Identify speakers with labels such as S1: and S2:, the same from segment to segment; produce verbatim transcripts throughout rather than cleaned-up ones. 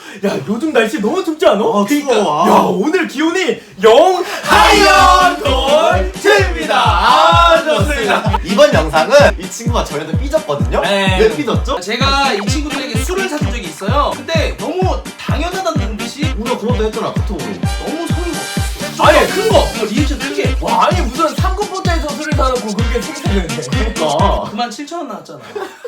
S1: 야 요즘 날씨 너무 춥지 않아?
S2: 아,
S1: 그러니까
S2: 추워.
S1: 야 오늘 기온이 영 하이언돌입니다. 아 좋습니다.
S2: 이번 영상은 이 친구가 저희한테 삐졌거든요?
S1: 네.
S2: 왜 삐졌죠?
S3: 제가 이 친구들에게 술을 사준 적이 있어요. 근데 너무 당연하다는 듯이
S2: 우리가 그런다 했잖아, 카톡으로.
S3: 너무 성의가 없었어.
S1: 아니 큰 거.
S3: 이거 리액션 크게.
S1: 와 아니 무슨 삼급포차에서 술을 사놓고 그렇게 생각했는데.
S2: 그러니까.
S3: 그만 칠천 원 나왔잖아.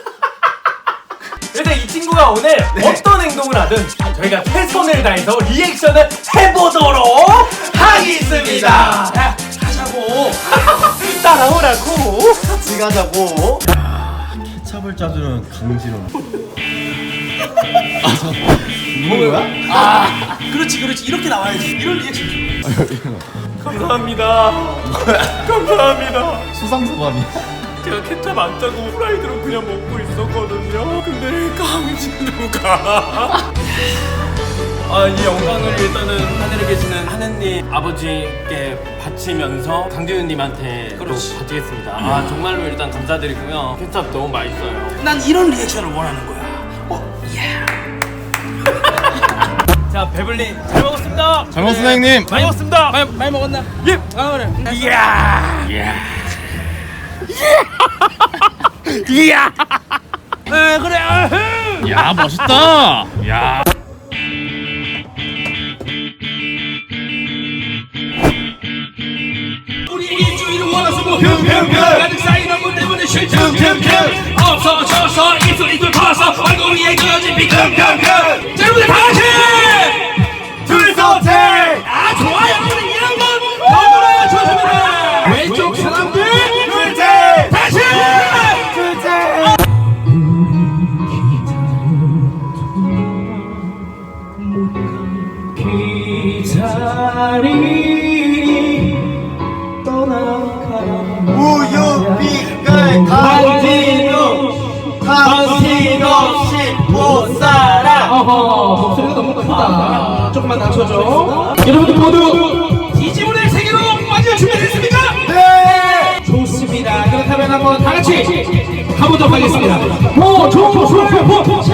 S1: 그래서 이 친구가 오늘
S2: 네.
S1: 어떤 행동을 하든 저희가 최선을 다해서 리액션을 해보도록 하겠습니다.
S3: 야, 가자고.
S1: 따라오라고.
S2: 같이 가자고. 케찹을 짜주는 강진원. 아, 저, 이거 뭐야?
S3: 아, 그렇지, 그렇지. 이렇게 나와야지. 이런 리액션.
S1: 감사합니다. 감사합니다.
S2: 수상소감이야.
S1: 제가 케찹 안 짜고 후라이드로 그냥 먹고 있었거든요. 근데 강진우가 아, 이 영광을 일단은 하늘에 계시는 하느님 아버지께 바치면서 강재윤님한테 또
S3: 그렇지.
S1: 바치겠습니다. 아 정말로 일단 감사드리고요. 케찹 너무 맛있어요.
S3: 난 이런 리액션을 원하는 거야. 어, 예.
S1: 자 배불리 잘 먹었습니다.
S4: 잘 먹었습니다, 형님.
S1: 많이 먹었습니다.
S3: 많이, 많이 먹었나?
S1: 예.
S3: 아, 그래.
S1: 이야. 이야. 이야.
S3: 에, 그래. 아흥.
S4: 야, 멋있다. 야.
S3: 우리 일주일을 원해서 뭐 흠흠흠 가득 쌓인 얼굴 때문에 쉴틈흠흠 없어져서 입술 입술 터서 얼굴 위에 그어진 비금금금 자 여러분들 다같이
S1: 둘서택.
S3: 아 좋아요 우리 이런 건 너무나 좋습니다 왼쪽 사람들
S1: 둘째.
S3: 다시
S1: 둘째.
S2: 우유빛깔 강진우 당신 없이 못 살아.
S3: 어허 목소리가 너무 크다 조금만 낮춰줘 여러분들 모두 디지몬의 세계로 빠질 준비됐습니까?
S2: 네!
S3: 좋습니다. 그렇다면 한번 다 같이 가보도록 하겠습니다. 호, 조, 조, 조, 호.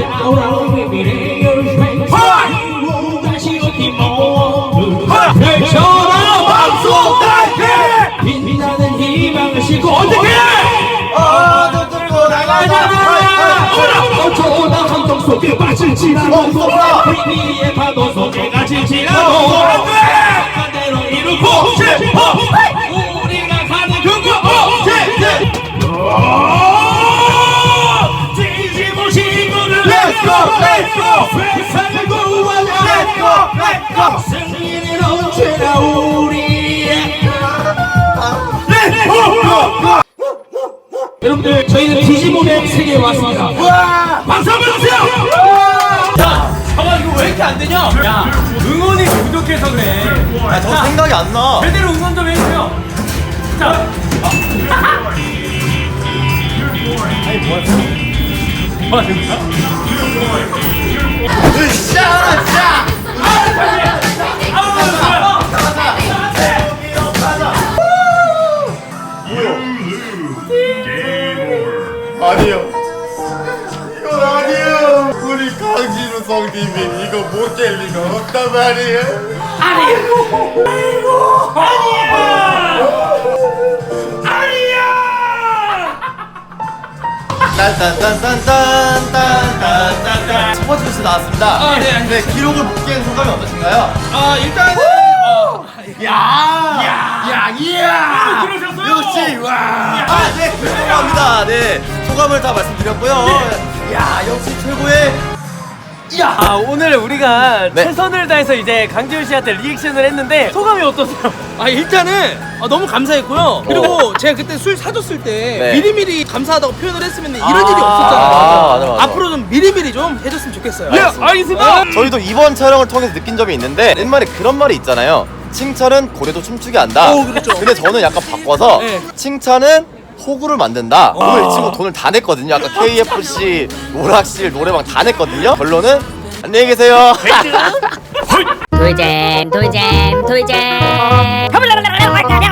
S3: 다시 어디 모두 펼쳐라 방송 달게 빛나는 희망을 싣고 어떻게
S2: 어도 들고 나가자.
S3: 어쩌다 함정 속에 빠질지라도
S2: 없어라.
S3: 위기의 파도 속에 갇힐지라도 반대로 이루고 우리가 가는 그곳 뒤집어 신문을
S2: Let's go, let's go.
S3: 세상을 구하자
S2: Let's go, let's go.
S3: 승리는 언제나 우리의 여러분들 저희는 디지몬의 세계에 왔습니다. 박수 한번 주세요.
S1: 야, 잠깐 이거 왜 이렇게 안 되냐? 야, 응원이 부족해서 그래.
S2: 야, 저 생각이 안 나.
S1: 제대로 응원 좀 해주세요. 자, 아니 뭐 하는 뭐 하는 거야?
S2: 으쌰, 으쌰. 아니요. 이건 아니에요. 우리 강진우 성님이 이거 못 깰 리가 없단 말이에요.
S1: 아니야. 아니야.
S2: 딴딴딴딴딴딴딴딴 첫 번째 뉴스 나왔습니다.
S3: 아, 네,
S2: 네, 기록을 못 깬 소감이 어떠신가요?
S3: 아 일단은 어,
S2: 야, 야, 야, 이야.
S1: 들어오셨어요?
S2: 역시 와. 아, 네, 죄송합니다. 네, 소감을 다 말씀드렸고요. 야, 역시 최고의. 야.
S1: 아 오늘 우리가
S2: 네.
S1: 최선을 다해서 이제 강지훈 씨한테 리액션을 했는데 소감이 어떠세요?
S3: 아 일단은 아, 너무 감사했고요. 그리고 제가 그때 술 사줬을 때
S2: 네.
S3: 미리미리 감사하다고 표현을 했으면 이런
S1: 아,
S3: 일이 없었잖아요.
S2: 아, 맞아, 맞아.
S3: 앞으로 좀 미리미리 좀 해줬으면 좋겠어요.
S1: 예, 알겠습니다.
S2: 저희도 이번 촬영을 통해서 느낀 점이 있는데 옛말에 그런 말이 있잖아요. 칭찬은 고래도 춤추게 한다.
S3: 오, 그렇죠.
S2: 근데 저는 약간 바꿔서
S3: 네.
S2: 칭찬은 호구를 만든다. 오늘 이 친구 돈을 다 냈거든요. 아까 케이에프씨, 오락실, 노래방 다 냈거든요. 결론은 안녕히 계세요.
S5: 돌잼 돌잼 돌잼